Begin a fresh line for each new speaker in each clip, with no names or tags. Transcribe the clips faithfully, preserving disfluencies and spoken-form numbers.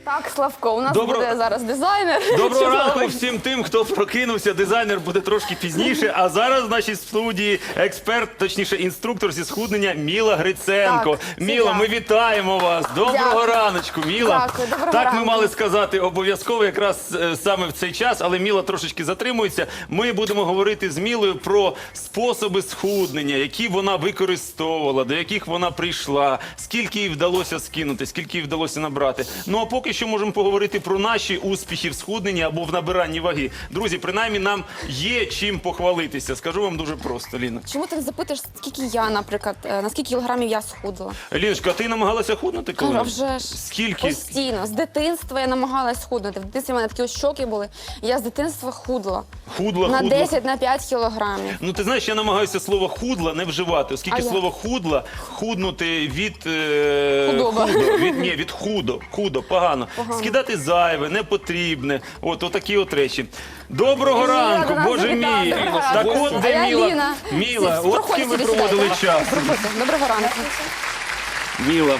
Так, Славко, у нас
Добро-
буде зараз дизайнер.
Доброго
Чудовий.
ранку всім тим, хто прокинувся. Дизайнер буде трошки пізніше. А зараз в нашій студії експерт, точніше інструктор зі схуднення Міла Гриценко.
Так, це
Міла,
я.
ми вітаємо вас. Доброго
Дякую.
раночку, Міла.
Дякую, доброго
так ми
ранку.
мали сказати обов'язково якраз е, саме в цей час, але Міла трошечки затримується. Ми будемо говорити з Мілою про способи схуднення, які вона використовувала, до яких вона прийшла, скільки їй вдалося скинути, скільки їй вдалося набрати. Ну а поки що можемо поговорити про наші успіхи в схудненні або в набиранні ваги. Друзі, принаймні нам є чим похвалитися. Скажу вам дуже просто, Ліна.
Чому ти не запитуєш, скільки я, наприклад, е, на скільки кілограмів я схудла?
Ліночка, ти намагалася худнути коли?
А вже ж.
Скільки?
Постійно. З дитинства я намагалась худнути. В дитинстві в мене такі ось щоки були. Я з дитинства худла.
Худла,
На
худла.
десять, на п'ять кілограмів.
Ну, ти знаєш, я намагаюся слово худла не вживати, оскільки
А як?
слово худла, худнути від... Е,
Худоба.
худо, від, ні, від худо, худо, погано.
Погано.
Скидати зайве, непотрібне, от отакі от речі. Доброго
Міла
ранку,
до нас
боже
завітала.
мій.
Доброго
Так
ранку.
от
А
де
я
Міла.
Ліна.
Міла,
Всі,
от
проходьте
ким ви
сюди,
проводили
сідайте.
час.
Проходьте. Доброго ранку.
Міла.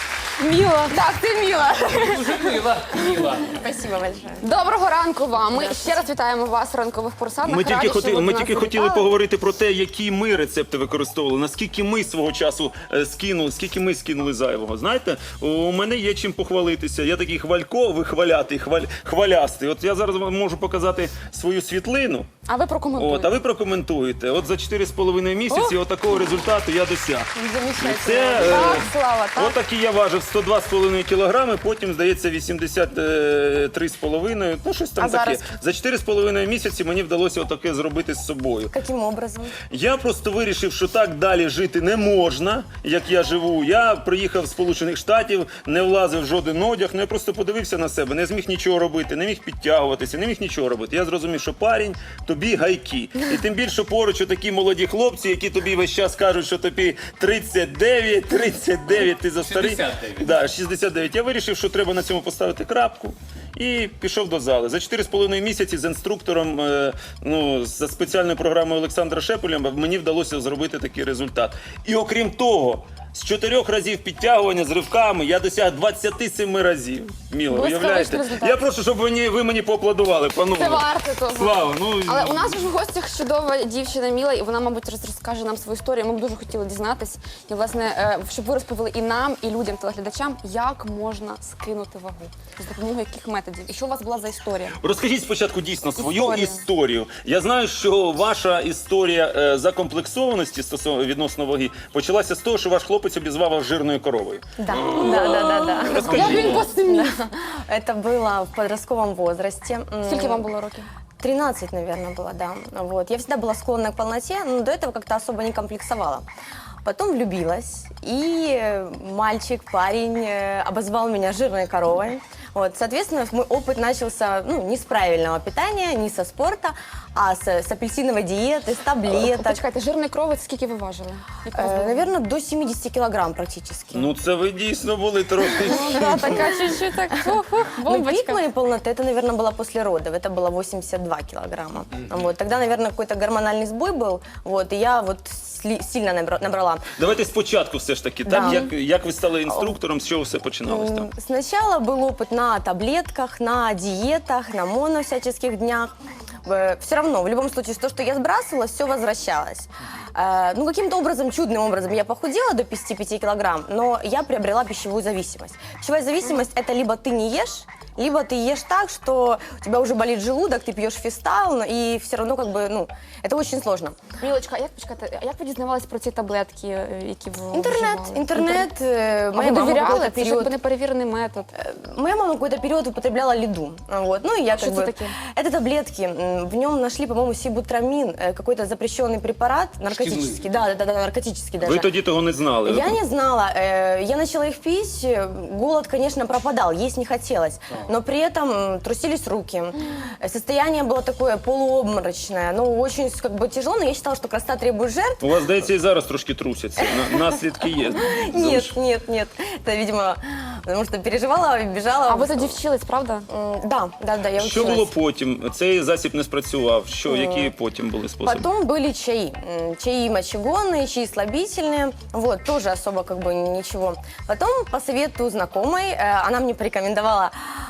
Міла. Так, ти Міла.
Мила, мила.
Спасибо большое.
Доброго ранку вам. Ми ще раз вітаємо вас в ранкових поросатах.
Ми тільки,
Раді,
хоти,
що ви
ми
до нас
тільки хотіли
завітали.
поговорити про те, які ми рецепти використовували, наскільки ми свого часу е, скинули, скільки ми скинули зайвого. Знаєте, у мене є чим похвалитися. Я такий хвалько, вихвалятий, хваль, хвалястий. От я зараз вам можу показати свою світлину.
А ви прокоментуєте.
От, а ви прокоментуєте. От за чотири з половиною місяці отакого результату я досяг.
Замечательно.
Це, е,
Так, Слава, так.
Отакий я важив сто два з половиною кілограми, потім, здається, вісімдесят три з половиною, ну щось там
А
таке.
зараз?
За чотири з половиною місяці мені вдалося отаке зробити з собою.
Каким образом?
Я просто вирішив, що так далі жити не можна, як я живу. Я приїхав з Сполучених Штатів, не влазив в жоден одяг, ну я просто подивився на себе, не зміг нічого робити, не міг підтягуватися, не міг нічого робити. Я зрозумів, що парень, тобі гайки. І тим більше поруч такі молоді хлопці, які тобі весь час кажуть, що тобі тридцять дев'ять, тридцять дев'ять, ти за старий.
шістдесят дев'ять.
Да, шістдесят дев'ять. Я вирішив, що треба на цьому поставити крапку. І пішов до зали. За чотири з половиною місяці з інструктором, е, ну, за спеціальною програмою Олександра Шепеля мені вдалося зробити такий результат. І окрім того, з чотирьох разів підтягування з ривками я досяг двадцяти семи разів. Міло,
Блискавичний
уявляєте?
результат.
Я прошу, щоб ви мені, ви мені поаплодували, панове.
Це варто того.
Слава, ну...
Але у нас ж в гостях чудова дівчина Міла, і вона, мабуть, роз- розкаже нам свою історію. Ми б дуже хотіли дізнатись, і, власне, е, щоб ви розповіли і нам, і людям, телеглядачам, як можна скинути вагу, з допомогою яких методів, і що у вас була за історія.
Розкажіть спочатку дійсно свою
Історію.
історію. Я знаю, що ваша історія е, закомплексованості стосовно відносно ваги почалася з того, що ваш хлопець обізвав вас жирною коровою.
Да, да, да, да, да.
Як
Розкажіть.
він посмів?
Это было в подростковом возрасте. М,
Скільки вам було років?
тринадцать, наверное, было, да. Вот. Я всегда была склонна к полноте, но до этого как-то особо не комплексовала. Потом влюбилась, и э, мальчик, парень э, обозвал меня жирной коровой. Вот, соответственно, мой опыт начался ну, не с правильного питания, не со спорта, а с, с апельсиновой диеты, с таблеток.
Почекайте, жирний кровець, скільки ви важили? Яка у вас
Э,
була?
наверное, до семидесяти килограмм практически.
Ну це ви дійсно були трохи.
Ну, да, така чуть-чуть так, фу-фу,
Ну, пик
бомбочка.
моей полноты, это, наверное, было после родов. Это было восемьдесят два килограмма. Вот. Тогда, наверное, какой-то гормональный сбой был. Вот. И я вот сли- сильно набра- набрала.
Давайте спочатку все ж таки.
Да.
Так, як, як ви стали інструктором, з чого все починалось там?
М, Сначала был опыт на таблетках, на диетах, на моно всяческих днях. Все равно, в любом случае, то, что я сбрасывала, все возвращалось. Э, Ну, каким-то образом, чудным образом я похудела до пятидесяти пяти килограмм, но я приобрела пищевую зависимость. Пищевая зависимость – это либо ты не ешь, либо ты ешь так, что у тебя уже болит желудок, ты пьешь фистал, но- и все равно как бы, ну, это очень сложно.
Мілочка, а як, почекайте, а як ви дізнавались про ці таблетки, е, які ви
Интернет,
вживали?
интернет, э,
А
моя
ви
мама
довіряли?
какой-то
Це ж
период...
якби неперевірений метод.
Моя мама какой-то период употребляла лиду. Вот. Ну и я
Что
как
это
бы...
такие?
Это таблетки. М, В нем нашли, по-моему, сибутрамин, э, какой-то запрещенный препарат, наркотический. Да, да, да, да, наркотический даже.
Ви тоді того не знали.
Я не знала. э, Я начала их пить. э, Голод, конечно, пропадал, есть не хотелось. Но при этом м, трусились руки. Э, Состояние было такое полуобморочное. Ну, очень как бы тяжело, но я считала, что красота требует жертв.
У вас, здається, і зараз трошки трусяться. На- Наслідки є.
Нет, нет, нет. Это, видимо, потому что переживала, бежала.
А ви тоді вчились, правда?
М, Да, да, да, я
Що
училась.
було потім? Цей засіб не спрацював. Що, які потім були способи?
Потом были чаи. М, Чаи мочегонные, чаи слабительные. Вот, тоже особо как бы ничего. Потом по совету знакомой, э, она мне порекомендовала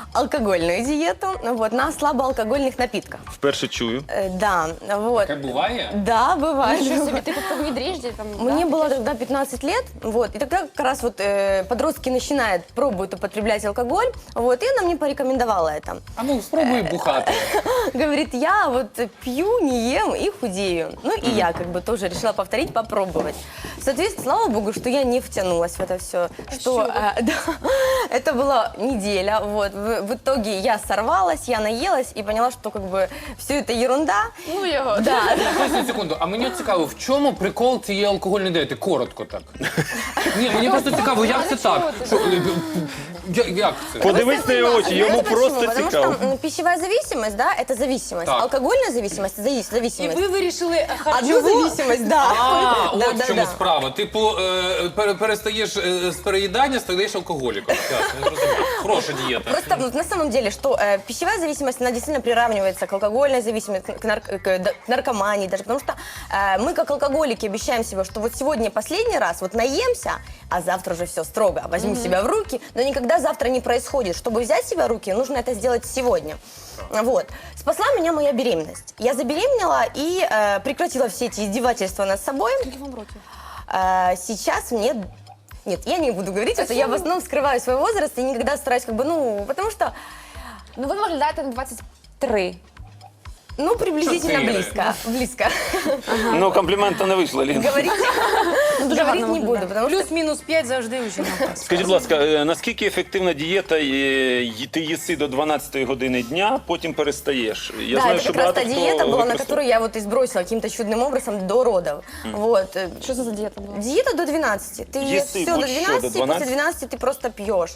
алкогольную диету, вот, на слабоалкогольных напитках.
Вперше чую.
Э, Да, вот.
Таке буває?
Да, бывает.
Нічого собі, ти тобто в дріжджі там.
Мне
да?
было тогда пятнадцать лет, вот, и тогда как раз вот э, подростки начинают, пробуют употреблять алкоголь, вот, и она мне порекомендовала это.
А ну, спробуй бухати.
Говорит, я вот пью, не ем и худею. Ну и я как бы тоже решила повторить, попробовать. Соответственно, слава богу, что я не втянулась в это все. Что, э, да, это была неделя, вот, в, в итоге я сорвалась, я наелась и поняла, что как бы все это ерунда.
Ну його.
Да,
Поясніть секунду, а мені от цікаво, в чому прикол цієї алкогольної дієти? Коротко так. Ні, мені просто цікаво, як це так? Що, е, я- як це?
Подивись на його очі, йому
Знаете
просто
почему? Потому
цікаво.
что м, пищевая зависимость, да, это зависимость.
Так.
Алкогольная зависимость, это зави-
І
зависимость.
ви вирішили
Одну
харчову...
зависимость, да.
А,
Да,
от
да,
в чому
да.
справа. Типу, е, пере- перестаєш е, з переїдання, стаєш алкоголіком. Ясно, я зрозумів. Хороша дієта.
Просто ну, на самом деле, что э, пищевая зависимость, она действительно приравнивается к алкогольной зависимости, к, нар- к, да- к наркомании даже, потому что э, мы как алкоголики обещаем себе, что вот сегодня последний раз вот наемся, а завтра уже все строго, возьму себя в руки, но никогда завтра не происходит. Чтобы взять себя в руки, нужно это сделать сегодня. Вот. Спасла меня моя беременность. Я забеременела и э, прекратила все эти издевательства над собой.
Скільки вам років?
Э, сейчас мне... Нет, я не буду говорить это, я в основном скрываю свой возраст и никогда стараюсь как бы, ну, потому что,
Ну ви виглядаєте на двадцять три.
ну, приблизительно
Четыре.
близко, близко.
Ну, комплімента не вийшло, Лін.
Говорить, говорить
гарно
не буду,
выглядит.
потому что...
Плюс-мінус п'ять завжди у жінок.
Скажіть, будь ласка, е, наскільки ефективна дієта, е, й- ти їси до дванадцятої години дня, потім перестаєш? Я
Да,
знаю,
это
що
как раз та
багато хто
диета была, на
використовує.
которую я вот и сбросила каким-то чудным образом до родов. Вот. э,
Що це за дієта була?
Диета до двенадцати. Ты ешь
Если
все до
будь что, до
двенадцати, и после
двенадцати?
двенадцати ты просто пьешь.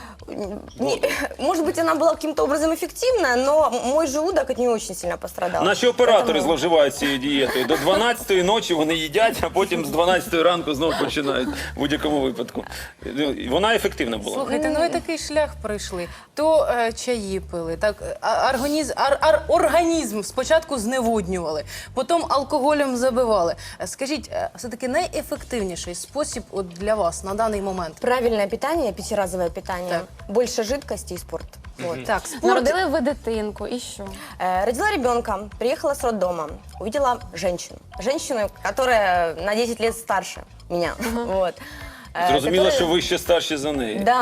Не- может быть, она была каким-то образом эффективна, но мой желудок от нее очень сильно пострадал.
Наші оператори
Поэтому-
зловживають цією дієтою. До дванадцятої ночі вони їдять, а потім з дванадцятої ранку знову починають в будь-якому випадку. Ну, Вона ефективна була.
Слухайте, ну ви такий шлях пройшли. То е, чаї пили, так а- організм, ар, ар, організм спочатку зневоднювали, потім алкоголем забивали. Е, Скажіть, е, все-таки найефективніший спосіб от для вас на даний момент?
Правильное питание, пятиразовое питание,
Так.
больше жидкости и спорт. Вот.
Так, спорт.
Народили ви дитинку, і що?
Э, Родила ребенка, приехала с роддома, увидела женщину. Женщину, которая на десять лет старше меня. Вот. Э,
Зрозуміло,
которая-
що ви ще старші за неї.
Да.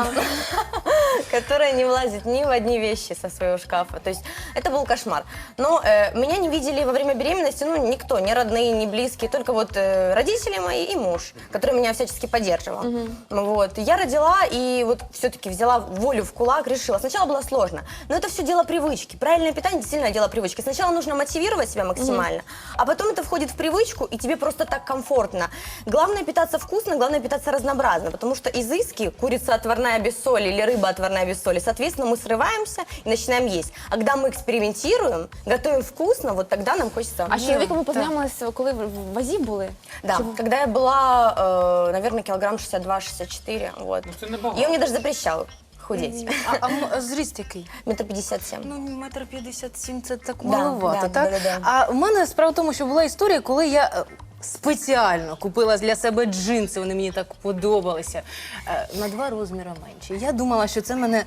Которая не влазит ни в одни вещи со своего шкафа. То есть это был кошмар. Но э, меня не видели во время беременности, ну, никто, ни родные, ни близкие, только вот э, родители мои и муж, который меня всячески поддерживал. Вот. Я родила и вот все-таки взяла волю в кулак, решила. Сначала было сложно, но это все дело привычки. Правильное питание действительно дело привычки. Сначала нужно мотивировать себя максимально, а потом это входит в привычку, и тебе просто так комфортно. Главное питаться вкусно, главное питаться разнообразно, потому что изыски, курица отварная без соли или рыба отварная без соли, соответственно, мы срываемся и начинаем есть. А когда мы экспериментируем, готовим вкусно, вот тогда нам хочется...
А з чоловіком ви познайомилися, коли ви в вазі були?
Да, когда я была, э, наверное, килограмм шестьдесят два шестьдесят четыре, вот.
Це небагато.
И он мне даже запрещал худеть.
А, а м- зріст який?
Метр пятьдесят семь.
Ну, метр п'ятдесят сім це так
Да,
маловато,
да,
так?
да, да, да.
А в мене справа в тому, що була історія, коли я е, спеціально купила для себе джинси, вони мені так подобалися, е, на два розміри менші. Я думала, що це мене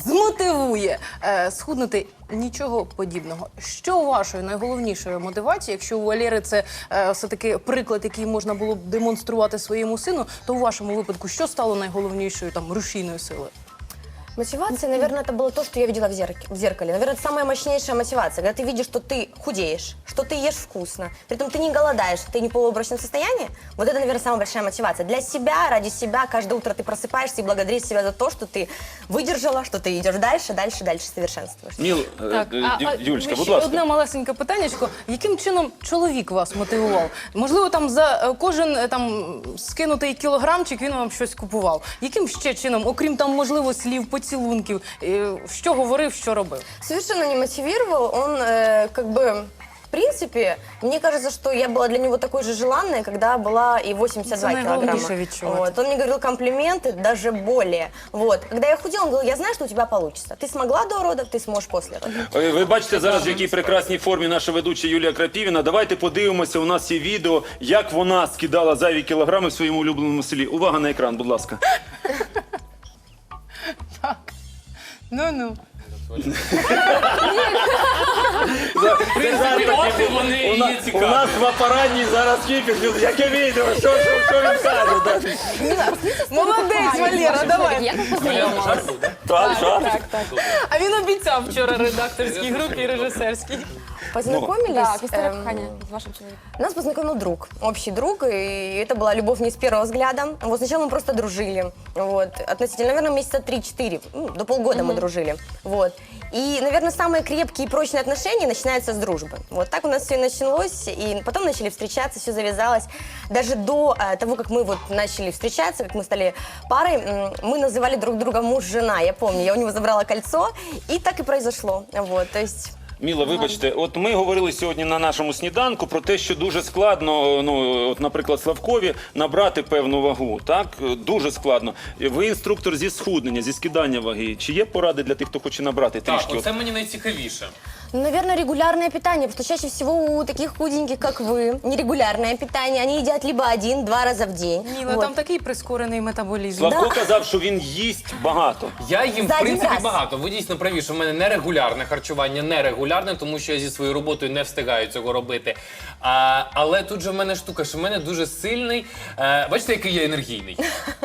змотивує е, схуднути. Нічого подібного. Що вашою найголовнішою мотивацією, якщо у Валєри це е, все-таки приклад, який можна було б демонструвати своєму сину, то у вашому випадку що стало найголовнішою там рушійною силою?
Мотивация, наверное, это было то, что я видела в зеркале. В зеркале. Наверное, это самая мощнейшая мотивация, когда ты видишь, что ты худеешь, что ты ешь вкусно, при этом ты не голодаешь, ты не в полуобморочном состоянии. Вот это, наверное, самая большая мотивация. Для себя, ради себя, каждое утро ты просыпаешься и благодаришь себя за то, что ты выдержала, что ты идешь дальше, дальше, дальше совершенствуешь.
Ніл, е,
Так,
е,
а, а,
Ю- Юлечка, будь
ще
ласка.
одне малесеньке питаннячко. Яким чином чоловік вас мотивував? Можливо, там за е, кожен е, там скинутий кілограмчик він вам щось купував. Яким ще чином, окрім там, можливо, слів, поцілунків, е, що говорив, що робив?
Совершенно не мотивировал, он э, как бы... В принципе, мне кажется, что я была для него такой же желанной, когда была и восемьдесят два
Это
килограмма.
наиглавнейшее відчувати.
Вот. Он мне говорил комплименты, даже более. Вот. Когда я худела, он говорил, я знаю, что у тебя получится. Ты смогла до родов, ты сможешь после родов.
Е, Ви бачите зараз, в якій прекрасній формі наша ведуча Юлія Крапівіна. Давайте подивимося, у нас є відео, як вона скидала зайві кілограми в своєму улюбленому селі. Увага на екран, будь ласка.
Ну-ну.
В принципі, от і вони
У
її
нас, у
цікавлять.
нас в апараті зараз кіпіш, яке відео, що, що, що він каже? да?
Молодець, Валера, давай.
Як ви познайомилися?
Так, що?
А він обіцяв вчора редакторській групі і режисерській.
Познакомились.
Так, історія
эм,
кохання з вашим чоловіком.
Нас познакомил друг, общий друг, и это была любовь не с первого взгляда. Вот сначала мы просто дружили, вот, относительно, наверное, месяца три-четыре, ну, до полгода мы дружили, вот. И, наверное, самые крепкие и прочные отношения начинаются с дружбы. Вот так у нас все и началось, и потом начали встречаться, все завязалось. Даже до э, того, как мы вот начали встречаться, как мы стали парой, м, мы называли друг друга муж-жена, я помню, я у него забрала кольцо, и так и произошло, вот, то есть...
Міла, вибачте, от ми говорили сьогодні на нашому сніданку про те, що дуже складно, ну, от, наприклад, Славкові набрати певну вагу, так? Дуже складно. Ви інструктор зі схуднення, зі скидання ваги. Чи є поради для тих, хто хоче набрати
Так,
трішки?
оце мені найцікавіше.
Ну, наверное, регулярное питание, потому что чаще всего у таких худеньких, как вы, нерегулярное питание. Они едят либо один-два раза в день.
Міла,
Вот.
там такий прискорений метаболізм.
Славко казав, що він їсть багато.
Я їм, в
За один
принципі,
раз.
багато. Ви дійсно праві, що в мене нерегулярне харчування, нерегулярне, тому що я зі своєю роботою не встигаю цього робити. А, але тут же в мене штука, що в мене дуже сильний. Е, бачите, який я енергійний.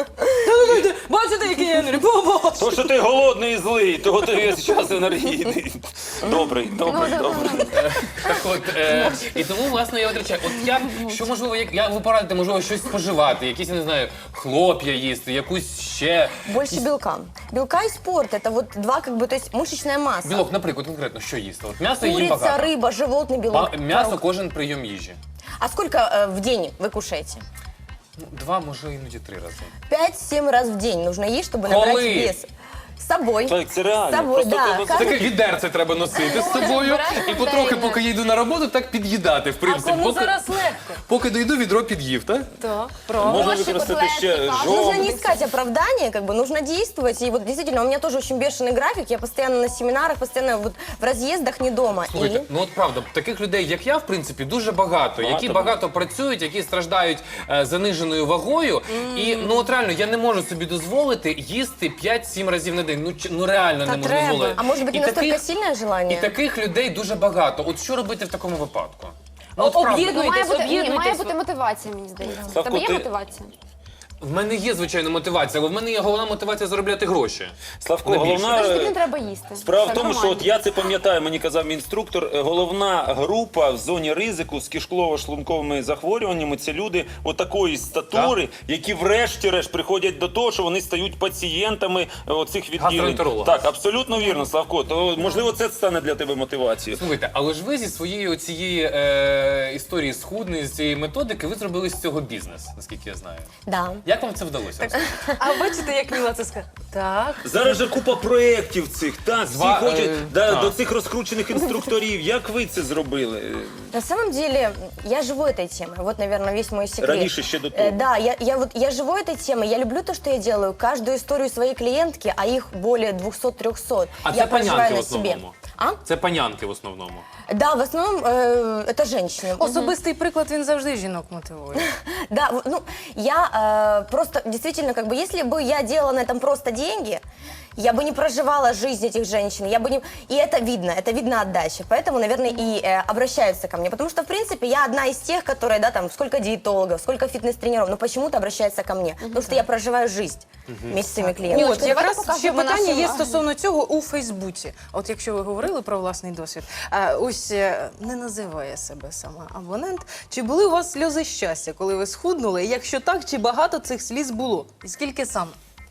Бачите, який я енергій? Бо-бо!
То, що ти голодний і злий, того ти весь час енергійний. Добрий, добрий, добрий.
Так от, е, і тому, власне, я отречаю. От як, що можливо, як, я, ви порадите, можливо, щось споживати, якісь, я не знаю, хлоп'я їсти, якусь ще...
Больше белка. Белка и спорт. Это вот два, как бы, то есть мышечная масса.
Білок, наприклад, конкретно, що їсти? От м'ясо їм
Курица,
багато.
рыба, животный белок.
Ба- М'ясо
творог.
кожен прийом їжі.
А сколько э, в день вы кушаете?
Ну, два, може, іноді три рази.
Пять-семь раз в день нужно есть, чтобы набрать
Коли?
вес. С собой.
Так, це реально.
С собой,
Просто
да.
треба-
Каждый-
Таке відерце треба носити з собою
Збирати
і потрохи,
контейнер.
поки я йду на роботу, так під'їдати, в
А
принципі.
кому
Поки,
зараз легко?
поки дойду, відро під'їв, так?
Так, правда.
Можна
Ложки,
використати ще
котлетки, кашу.
жовт.
Нужно не искать оправдания, как бы нужно действовать. И вот действительно, у меня тоже очень бешеный график. Я постоянно на семинарах, постоянно вот в разъездах, не дома.
Слухайте,
И...
ну от правда, таких людей, як я, в принципі, дуже багато, які
Багато.
багато працюють, які страждають е, заниженою вагою. І ну от реально, я не можу собі дозволити їсти п'ять-сім разів на день. Ну, чи- ну реально
Та
не можу
треба.
дозволити.
А может быть,
І
не настолько
таких-
сильное
І
желание?
таких людей дуже багато. От що робити в такому випадку? Ну, от
Об'єднуй-
правда.
Ну, має бути, ні,
об'єднуйтесь.
має бути мотивація, мені здається. В
Славко,
тебе є
ти-
мотивація?
В мене є, звичайно, мотивація, але в мене є головна мотивація заробляти гроші.
Славко,
Не більше.
головна...
Тож тобі не треба їсти.
Справа в
Це
тому, що
нормально.
от я це пам'ятаю, мені казав мій інструктор, е, головна група в зоні ризику з кишково-шлунковими захворюваннями – це люди отакої статури, які врешті-решт приходять до того, що вони стають пацієнтами е, оцих відділень.
Гастроентеролога.
Так, абсолютно вірно, Славко. То, можливо, це стане для тебе мотивацією.
Слухайте, але ж ви зі своєї цієї е, історії схудної, з цієї методики, ви зробили з цього бізнес, наскільки я знаю.
Да.
Як вам це вдалося?
А бачите, як Міла це сказала? Так.
Зараз же купа проєктів цих, так, всі
Зва-
хочуть
е,
да,
так.
до цих розкручених інструкторів. Як ви це зробили?
На самом деле, я живу этой темой. Вот, наверное, весь мой секрет.
Раньше еще до того.
Э, Да, я, я, вот, я живу этой темой. Я люблю то, что я делаю. Каждую историю своей клиентки, а их более двухсот-трехсот,
А
я
це
проживаю
панянки в
на себе.
основному.
А?
Це панянки в основному.
Да, в основном э, это женщины.
Особистий приклад, він завжди жінок мотивує.
Да, в- ну, я э, просто, действительно, как бы, если бы я делала на этом просто деньги, я бы не проживала жизнь этих женщин, я бы не... И это видно, это видно отдача. Поэтому, наверное, и э, обращаются ко мне. Потому что, в принципе, я одна из тех, которые, да, там, сколько диетологов, сколько фитнес-тренеров, но почему-то обращаются ко мне. Потому что я проживаю жизнь вместе с своими клиентами.
От,
давайте
якраз
покажемо
ще питання
нашим,
є
а,
стосовно цього у Фейсбуці. От якщо ви говорили про власний досвід, а, ось е, не називає себе сама абонент. Чи були у вас сльози щастя, коли ви схуднули? І якщо так, чи багато цих сліз було? І скільки саме?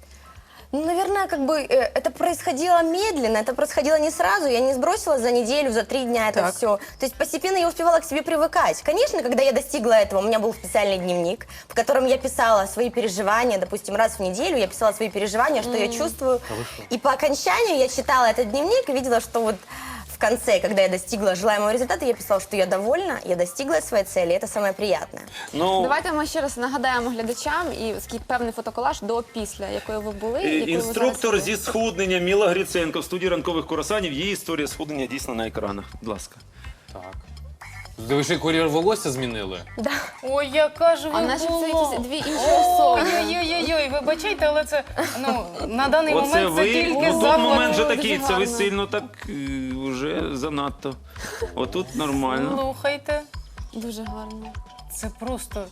Ну, наверное, как бы э, это происходило медленно, это происходило не сразу, я не сбросила за неделю, за три дня это
Так.
все. То есть постепенно я успевала к себе привыкать. Конечно, когда я достигла этого, у меня был специальный дневник, в котором я писала свои переживания, допустим, раз в неделю я писала свои переживания, что я чувствую. И по окончанию я читала этот дневник и видела, что вот в конце, когда я достигла желаемого результата, я писала, что я довольна, я достигла своей цели, и это самое приятное.
Ну,
Давайте ми ще раз нагадаємо глядачам і скільки певний фотоколаж до після, якою ви були,
Е,
якою ви
Інструктор
зараз
зі
є.
схуднення Міла Гриценко в студії ранкових курасанів. Її історія схуднення дійсно на екранах. Будь ласка.
Так. Ви ще кур'єр волосся змінили?
Ой, яка ж ви
А наче це
була.
якісь дві інші особи.
Ой-ой-ой, вибачайте, але це, ну, на даний
Оце
момент це
ви,
тільки
ну, тут
заклад.
момент вже
Дуже
такий, це ви
гарно.
сильно так е, вже занадто. Отут нормально.
Слухайте,
Дуже гарно.
це просто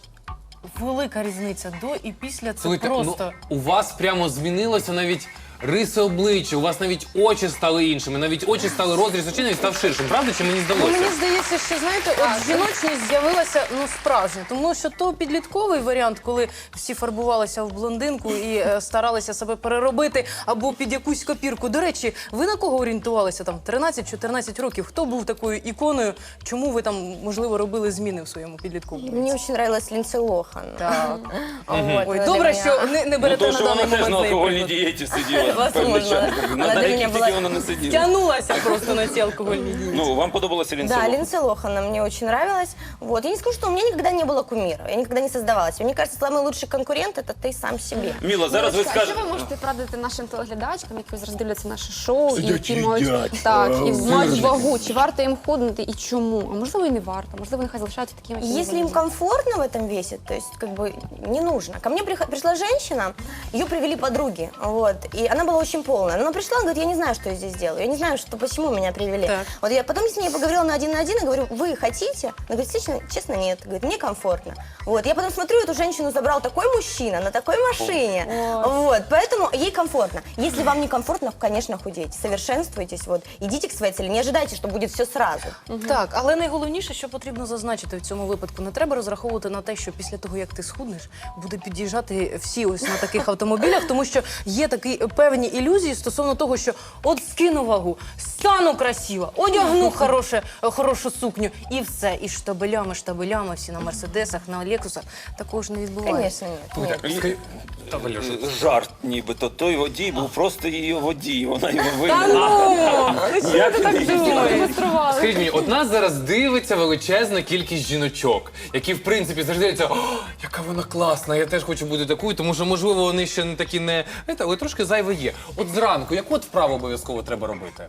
велика різниця до і після. Це
Слухайте,
просто.
ну, у вас прямо змінилося навіть риси обличчя, у вас навіть очі стали іншими, навіть очі стали, розріз очей навіть став ширшим. Правда, чи мені
Ну,
здалося?
мені здається, що знаєте, от жіночність з'явилася ну справжня, тому що то підлітковий варіант, коли всі фарбувалися в блондинку і е, старалися себе переробити або під якусь копірку. До речі, ви на кого орієнтувалися там тринадцять-чотирнадцять років? Хто був такою іконою? Чому ви там можливо робили зміни в своєму підлітковому?
Мне очень нравилась Линдси Лохан.
Так.
Вот,
Ой,
она
добре,
для
що
меня-
не, не
Ну,
берете
то,
на
що
даний
вона теж
момент
на
цей
алкогольній
приклад.
дієті сиділа.
Возможно.
певний час.
Вона
На
для
деяких
мене
тільки
була-
вона не сиділа.
Тягнулася просто на ці алкогольні дії.
Ну, вам подобалася Ліндсі
Да,
Лохан?
Линдси Лохан мне очень нравилась. Вот. Я не скажу, что у меня никогда не было кумира, я никогда не создавалась. Мне кажется, самый лучший конкурент – это ты сам себе.
Міла, зараз ви
Мілочка, а що
скажете.
ви можете порадити нашим телеглядачкам, які зараз дивляться наше шоу, і
Сидять,
які мають,
їдять.
так, і
А,
мають вагу, чи варто їм худнути і чому? А можливо і не варто, можливо, нехай залишаються такими, які
Если им
вони
комфортно в этом весе, то есть как бы не нужно. Ко мне прих- пришла женщина, ее привели подруги, вот, и она была очень полная. Она пришла, она говорит, я не знаю, что я здесь делаю, я не знаю, что, почему меня привели.
Так.
Вот я потом с ней поговорила на один на один и говорю, вы хотите? Она говорит, честно, честно нет. Говорит, мне комфортно. Вот, я потом смотрю, эту женщину забрал такой мужчина на такой машине. Вот, поэтому ей комфортно. Если вам не комфортно, конечно, худейте, совершенствуйтесь, вот, идите к своей цели, не ожидайте, что будет все сразу.
Так, але найголовніше, що потрібно зазначити в цьому випадку, не треба розраховувати на те, що після того, як ти схуднеш, буде під'їжджати всі ось на таких автомобілях, тому що є такі певні ілюзії стосовно того, що от скину вагу, стану красива, одягну хороше, хорошу сукню і все. І штабелями, штабелями, всі на мерседесах, на лексусах. Такого ж не відбувається.
Конечно, нет. нет.
Та, Валюша,
Жарт нібито. Той водій був просто її водій. Вона його
Та
вигнала.
ну!
Як ти так
демонстрували.
Скажіть мені, от нас зараз дивиться величезна кількість жіночок, які в принципі завжди дивляться, о, яка вона класна, я теж хочу бути такою, тому що можливо вони ще не такі не, знаєте, але трошки зайве є. От зранку, яку от вправу обов'язково треба робити?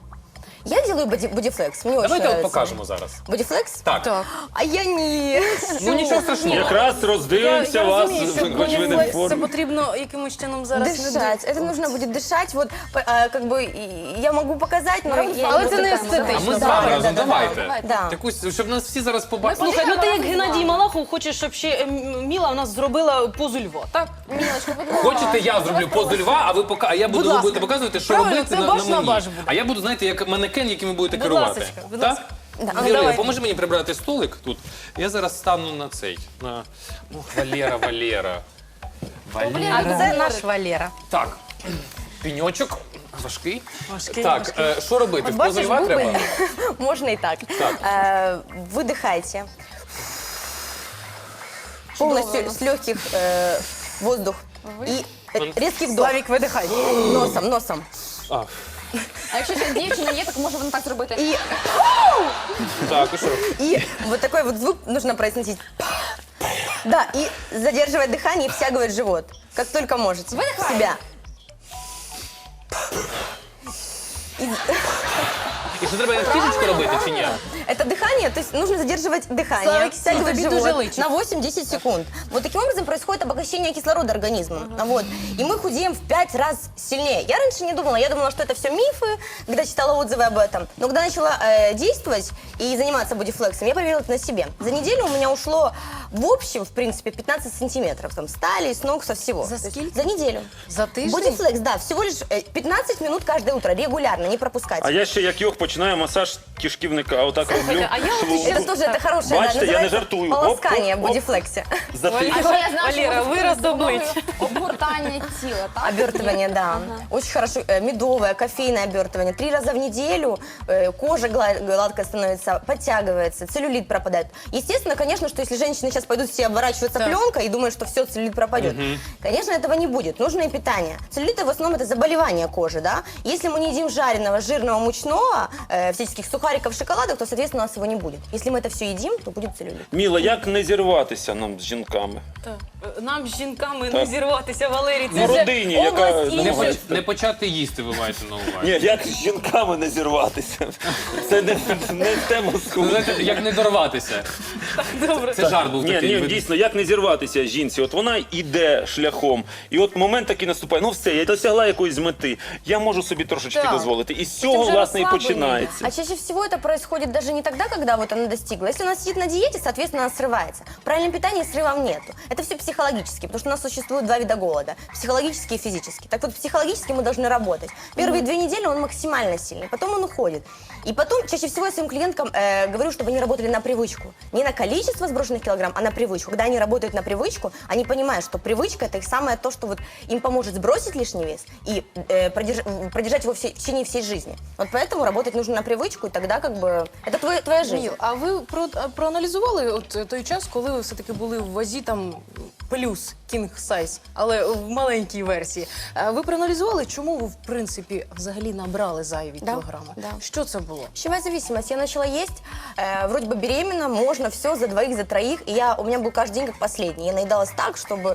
Я делаю боди- бодифлекс, мне очень
Давайте от
нравится.
покажемо зараз.
Бодифлекс?
Так.
Так.
А я не...
Ну нічого страшного.
Якраз роздивимося вас,
розумію, що
хоч ви не в
бодіфлекс це
формі.
потрібно якимось чином зараз не
Дышать. Это нужно будет дышать. Вот, по- а, как бы, и- я могу показать, но я
Але
не
це
буду
не
там.
А
естетично.
ми з
Да,
вами
да,
разом,
да, да,
давайте.
Да.
Якусь, щоб нас всі зараз побачили.
Слухай, ну ти як Геннадій Малахов хочеш, щоб ще е, М- Міла у нас зробила позу льва, так?
Мілочка, будь ласка.
Хочете, я зроблю позу льва, а ви пока, а я буду,
Будь
ви
ласка.
будете показувати, що
Правильно,
робити
це
на,
баш
на
на
мені.
баш буде.
А я буду, знаєте, як манекен, яким ви будете
Будь
керувати.
ласочка, будь
Так?
ласка.
Да,
Віра,
давай.
поможи мені прибрати столик тут. Я зараз стану на цей. На... Ох, Валера, Валера. Валера.
А це наш Валера.
Так, піньочок. Важкий.
Важкий,
Так,
важкий.
е, що робити?
От
В позу
бачиш,
льва треба?
бубен.
Можно и так.
Так.
Э, Выдыхайте. Полностью с легких э, воздух. И э, резкий вдох.
Славік, видихай.
Носом, носом.
А,
А якщо ще дівчина є, так може вона так зробити.
И,
так, і що?
и вот такой вот звук нужно произносить. Да, и задерживать дыхание и втягивать живот. Как только можете. В себя.
І що треба як фішечку робити чи ні?
Это дыхание, то есть нужно задерживать дыхание,
Славик,
втягивать
тебе тоже
живот
лычит.
на восемь-десять секунд. Вот таким образом происходит обогащение кислорода организма. Вот. И мы худеем в пять раз сильнее. Я раньше не думала, я думала, что это все мифы, когда читала отзывы об этом. Но когда начала э, действовать и заниматься бодифлексом, я проверила это на себе. За неделю у меня ушло в общем, в принципе, пятнадцать сантиметров. Там, с талии, с ног, со всего.
За
То есть
сколько?
За неделю.
За тиждень?
Бодифлекс, да, всего лишь э, пятнадцать минут каждое утро, регулярно, не пропускать.
А я ще як йох починаю масаж кишківника, отак роблю.
а я от
Шву.
Это тоже это хорошее,
Бачите,
да,
я не
называется
жартую. Оп,
полоскание
оп,
в
оп.
бодифлексе.
Затик.
А ще я знаю, що
Валера,
можна
вираз
зробити
обличчя.
допомогою обгортання тіла, так?
Обертывание, да. Очень хорошо. Э, Медовое, кофейное обертывание. Три раза в неделю э, кожа гла- гладкая становится, подтягивается, целлюлит пропадает. Естественно, конечно, что если женщина сейчас сейчас пойдут все обворачиваться
Да.
пленкой и думают, что все, целлюлит пропадет. Конечно, этого не будет. Нужное питание. Целлюлит в основном это заболевание кожи, да. Если мы не едим жареного, жирного, мучного, э, всяческих сухариков, шоколадок, то, соответственно, у нас его не будет. Если мы это все едим, то будет целлюлит.
Міла, як не зірватися нам з жінками?
Так. Нам з жінками
Так.
не зірватися, Валерій. Це
Ну,
вже
родині, яка
область
не
Не,
інших.
може-
поч- не почати їсти, ви маєте на увазі.
Ні, як з жінками не зірватися? Це не, не тема
Ну,
схудження.
знаєте, як не дорватися.
Добре.
Це жарт був
Ні,
такий.
ні,
ви-
дійсно, як не зірватися жінці? От вона йде шляхом, і от момент такий наступає. Ну все, я досягла якоїсь мети. Я можу собі трошечки
Так.
дозволити. І з цього,
вже
власне, і
розслаблення.
починається.
А чаще всего это происходит даже не тогда, когда вот она достигла. Если она сидит на диете, соответственно, она срывается. В правильном питании срывов нету. Это все психологически, потому что у нас существует два вида голода. Психологический и физический. Так вот, психологически мы должны работать. Первые две недели он максимально сильный, потом он уходит. И потом, чаще всего я своим клиенткам э, говорю, чтобы они работали на привычку. Не на количество сброшенных килограмм, а на привычку. Когда они работают на привычку, они понимают, что привычка – это их самое то, что вот им поможет сбросить лишний вес и э, продерж- продержать его все- в течение всей жизни. Вот поэтому работать нужно на привычку, и тогда как бы это твоя, твоя жизнь.
Міл, а ви про, а, проаналізували от е, той час, коли ви все-таки були в вазі там плюс king size, але в маленькій версії. А ви проаналізували, чому ви в принципі взагалі набрали зайві
Да,
кілограми?
да.
Що це було?
Пищевая зависимость. Я начала есть, э, вроде бы беременна, можно все за двоих, за троих. И я, у меня был каждый день как последний. Я наедалась так, чтобы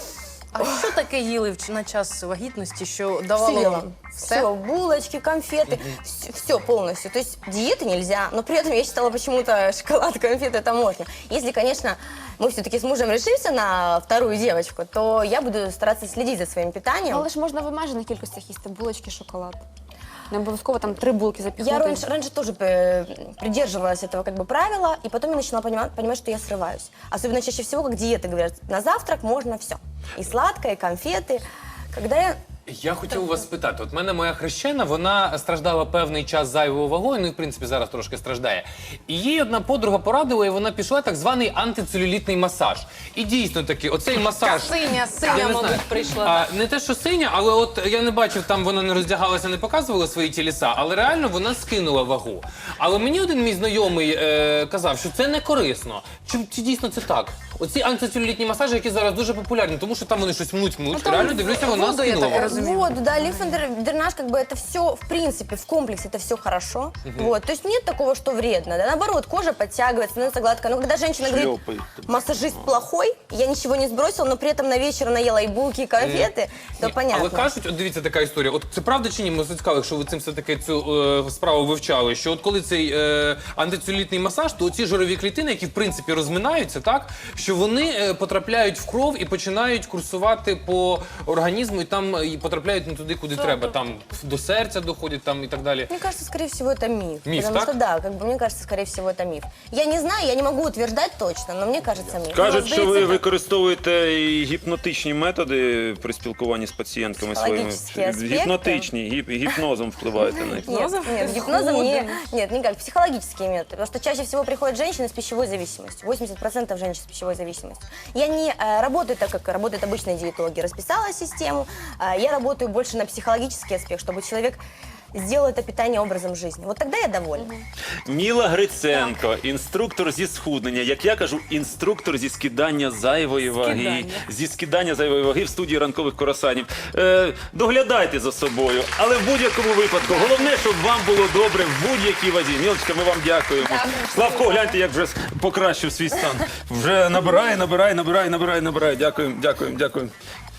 А що таке їли в ч- на час вагітності, що давало
все,
вам
все, булочки, конфеты, все, полностью. То есть диеты нельзя, но при этом я считала почему-то шоколад, конфеты это можно. Если, конечно, мы все-таки с мужем решимся на вторую девочку, то я буду стараться следить за своим питанием.
Але ж можна в обмежених кількостях їсти булочки, шоколад. Не обов'язково там три булки запікнути.
Я раньше, раньше тоже э, придерживалась этого как бы правила, и потом я начала понимать, понимать, что я срываюсь. Особенно чаще всего, как диеты говорят, на завтрак можно все. И сладкое, и конфеты. Когда я...
Я хотів у вас спитати, от мене моя хрещена, вона страждала певний час зайвою вагою, ну і в принципі зараз трошки страждає. І їй одна подруга порадила, і вона пішла так званий антицелюлітний масаж. І дійсно таки, оцей масаж...
Синя,
Я
синя,
не
мабуть,
знаю.
прийшла.
А, не те, що синя, але от я не бачив, там вона не роздягалася, не показувала свої тіліса, але реально вона скинула вагу. Але мені один мій знайомий е, казав, що це не корисно. Чи, чи дійсно це так? Оці антицелюлітні масажі, які зараз дуже популярні, тому що там вони щось мнуть-мнуть.
Ну, там
Реально дивлюся, вона
воду, я
скинула
так
вагу.
розумію.
Воду, да, лимфодренаж, как бы это все, в принципе, в комплексе это все хорошо. Вот, то есть нет такого, что вредно. Да? Наоборот, кожа подтягивается, становится гладкая. Но когда женщина говорит,
Шлепает.
массажист плохой, я ничего не сбросила, но при этом на вечер наела и булки, и конфеты, то
Ні,
понятно.
Але кажуть, от дивіться, така історія. От це правда чи ні? Ми цікаво, якщо ви цим все-таки цю е, справу вивчали, що от коли цей е, антицелюлітний масаж, то ці жирові клітини, які в принципі розминаються, так що вони е, потрапляють в кров і починають курсувати по організму, і там е, і потрапляють не туди, куди треба. Там до серця доходять, там і так далі.
Мне кажется, скорее всего, это миф.
Миф,
потому
так?
что, да, как бы, мне кажется, скорее всего, это миф. Я не знаю, я не могу утверждать точно, но мне кажется, миф.
Кажуть,
Ну,
що ви
здається,
використовуєте і гіпнотичні методи при спілкуванні з пацієнтками своїми.
Психологічні аспекти.
Гіпнотичні, гіп, гіпнозом впливаєте на них.
Нет, нет, гипнозом не, нет, никак, психологические методы. Потому что чаще всего приходят женщины с пищевой зависимостью. восемьдесят процентов женщин с пищевой зависимостью. Я не э, работаю так, как работают обычные диетологи. Расписала систему. Э, я работаю больше на психологический аспект, чтобы человек сделал это питание образом жизни. Вот тогда я довольна.
Міла Гриценко, інструктор зі схуднення. Як я кажу, інструктор зі скидання зайвої ваги.
Скидання.
Зі скидання зайвої ваги в студії ранкових коросанів. Е, доглядайте за собою, але в будь-якому випадку. Головне, щоб вам було добре в будь-якій вазі. Мілочка, ми вам дякуємо. Славко, гляньте, як вже покращив свій стан. Вже набирає, набирає, набирає, набирає, набирає. Дякуємо, дякуємо, дякуємо.